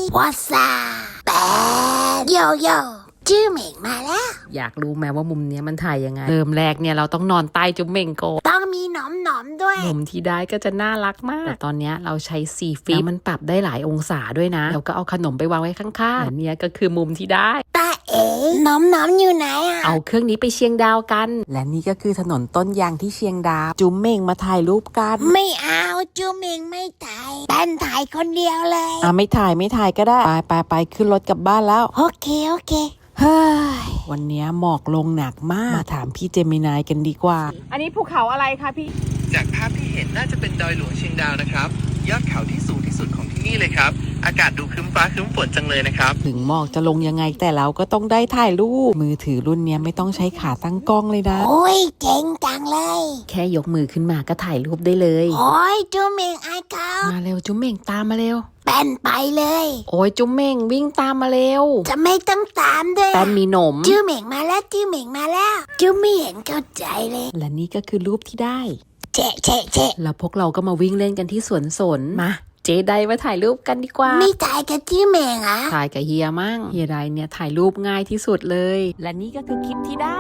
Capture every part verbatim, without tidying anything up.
วอสซาแปดโยโย่ชื่อเหม่งมาแล้วอยากรู้ไหมว่ามุมเนี้ยมันถ่ายยังไงเริ่มแรกเนี่ยเราต้องนอนใต้จุ๊บเหม่งโกต้องมีหนอมหนอมๆด้วยมุมที่ได้ก็จะน่ารักมากแต่ตอนเนี้ยเราใช้ซีฟิปมันปรับได้หลายองศาด้วยนะแล้วก็เอาขนมไปวางไว้ข้างๆอันเนี้ยก็คือมุมที่ได้ตาเอ๋หนอมหนอมๆอยู่ไหนอ่ะเอาเครื่องนี้ไปเชียงดาวกันและนี่ก็คือถนนต้นยางที่เชียงดาวจุ๊บเหม่งมาถ่ายรูปกันไม่เอาจูเหม่งไม่ถ่ายแป้นถ่ายคนเดียวเลยอ่ะไม่ถ่ายไม่ถ่ายก็ได้ไปไปไปขึ้นรถกลับบ้านแล้วโอเคโอเคเฮ้ยวันนี้หมอกลงหนักมากมาถามพี่เจมินายกันดีกว่าอันนี้ภูเขาอะไรคะพี่จากภาพที่เห็นน่าจะเป็นดอยหลวงเชียงดาวนะครับยอดเขาที่สูงที่สุดของที่นี่เลยครับอากาศดูครึ้มฟ้าครึ้มฝนจังเลยนะครับถึงหมอกจะลงยังไงแต่เราก็ต้องได้ถ่ายรูปมือถือรุ่นนี้ไม่ต้องใช้ขาตั้งกล้องเลยนะโอ้ยเจ๋งจังเลยแค่ยกมือขึ้นมาก็ถ่ายรูปได้เลยโอ้ยจูเหม่งไอ้เขามาเร็วจุ๊มเหม่งตามมาเร็วแป้นไปเลยโอ้ยจุ๊มเหม่งวิ่งตามมาเร็วจะไม่ต้องตามด้วยแป้นมีหนมจูเหม่งมาแล้วจูเหม่งมาแล้วจูไม่เห็นเข้าใจเลยและนี่ก็คือรูปที่ได้เจ๊เจ๊เจ๊แล้วพวกเราก็มาวิ่งเล่นกันที่สวนสนมาเจไดมาถ่ายรูปกันดีกว่าไม่ถ่ายกับจูเหม่งอ่ะถ่ายกับเฮียมั่งเฮียไดเนี่ยถ่ายรูปง่ายที่สุดเลยและนี่ก็คือคลิปที่ได้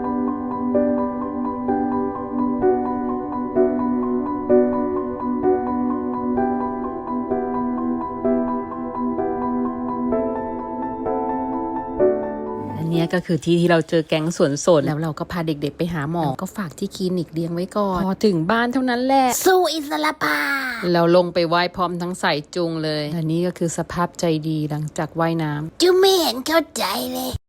อันนี้ก็คือที่ที่เราเจอแก๊งสวนสนแล้วเราก็พาเด็กๆไปหาหมอก็ฝากที่คลินิกเลี้ยงไว้ก่อนพอถึงบ้านเท่านั้นแหละสู้อิสระภาเราลงไปไหว้พร้อมทั้งใส่จุงเลยอันนี้ก็คือสภาพใจดีหลังจากว่ายน้ำจูไม่เห็นเข้าใจเลย